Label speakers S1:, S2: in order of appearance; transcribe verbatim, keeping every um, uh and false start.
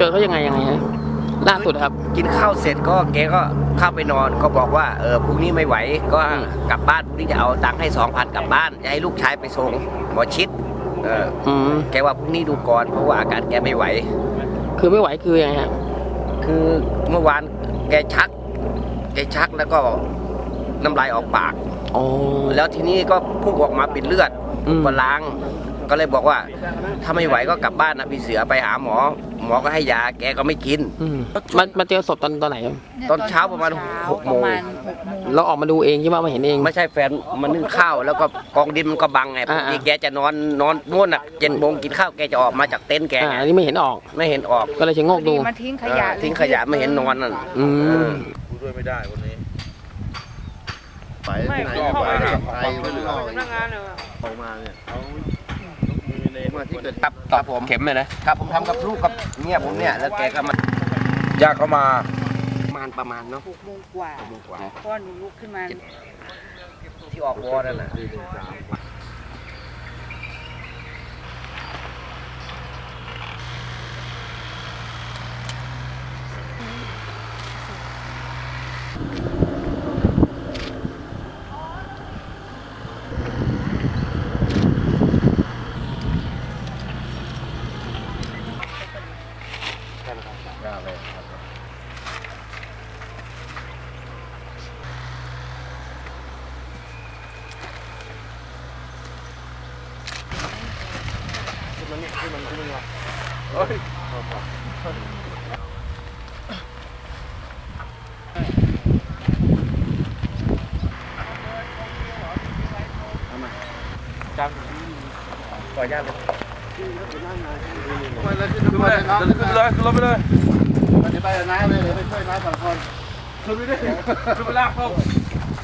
S1: จอเขายังไงยังไงฮะล่าสุดครับ
S2: กินข้าวเสร็จก็แกก็เข้าไปนอนก็บอกว่าเออพรุ่งนี้ไม่ไหวก็กลับบ้านพรุ่งนี้จะเอาตังค์ให้สองพันกลับบ้านจะให้ลูกชายไปส่งหมอชิดเออแกว่าพรุ่งนี้ดูก่อนเพราะว่าอาการแกไม่ไหว
S1: คือไม่ไหวคือยังไงฮะ
S2: คือเมื่อวานแกชักแกชักแล้วก็น้ำลายออกปากแล้วทีนี้ก็พุ่งออกมาเป็นเลือดก็ล้างก็เลยบอกว่าถ้าไม่ไหวก็กลับบ้านนะพี่เสือไปหาหมอหมอก็ให้ยาแกก็ไม่กิน
S1: มันมาเจอศพตอนตอนไหน
S2: ตอนเช้าประมาณหกโมง
S1: เราออกมาดูเองใช่ไหมมาเห็นเอง
S2: ไม่ใช่แฟนมันนึ่งข้าวแล้วก็กองดินมันก็บังไงปกติแกจะนอนนอนนู่นอ่ะเจ็ดโมงกินข้าวแกจะออกมาจากเต็นท์แก
S1: อันนี้ไม่เห็นออก
S2: ไม่เห็นออก
S1: ก็เลยชะโงกดู
S3: มาทิ้งขยะ
S2: ทิ้งขยะไม่เห็นนอนนั่น
S1: อืม
S4: ด้วยไม่ได้วันนี้ไป
S3: ไม่
S4: ไหน
S3: ไป
S4: ไปไปหรือออก
S3: พนักงานเลย
S4: ออกมาเนี่ยเขา
S2: มาที่เกิดตับตับผมเข็มเลยนะครับผมทำกับลูกกับเนี่ยผมเนี่ยแล้วแกก็มา
S4: ญาติเขามา
S2: ประมาณประมาณเนาะ
S3: หกโมงกว่าพ่อหนูลุกขึ้นมา
S2: ที่ออกวอร์นั่นน่ะมันมันมันมันเฮ้ยจังขออนุญาตเลย
S4: ไปเลยขึ้นไปเลยขึ้นไปเลยขึ้นรถไปเลยไปไปน้าเลยไปช่วยน้าสองคนขึ้นไปดิขึ้นไปลากเขา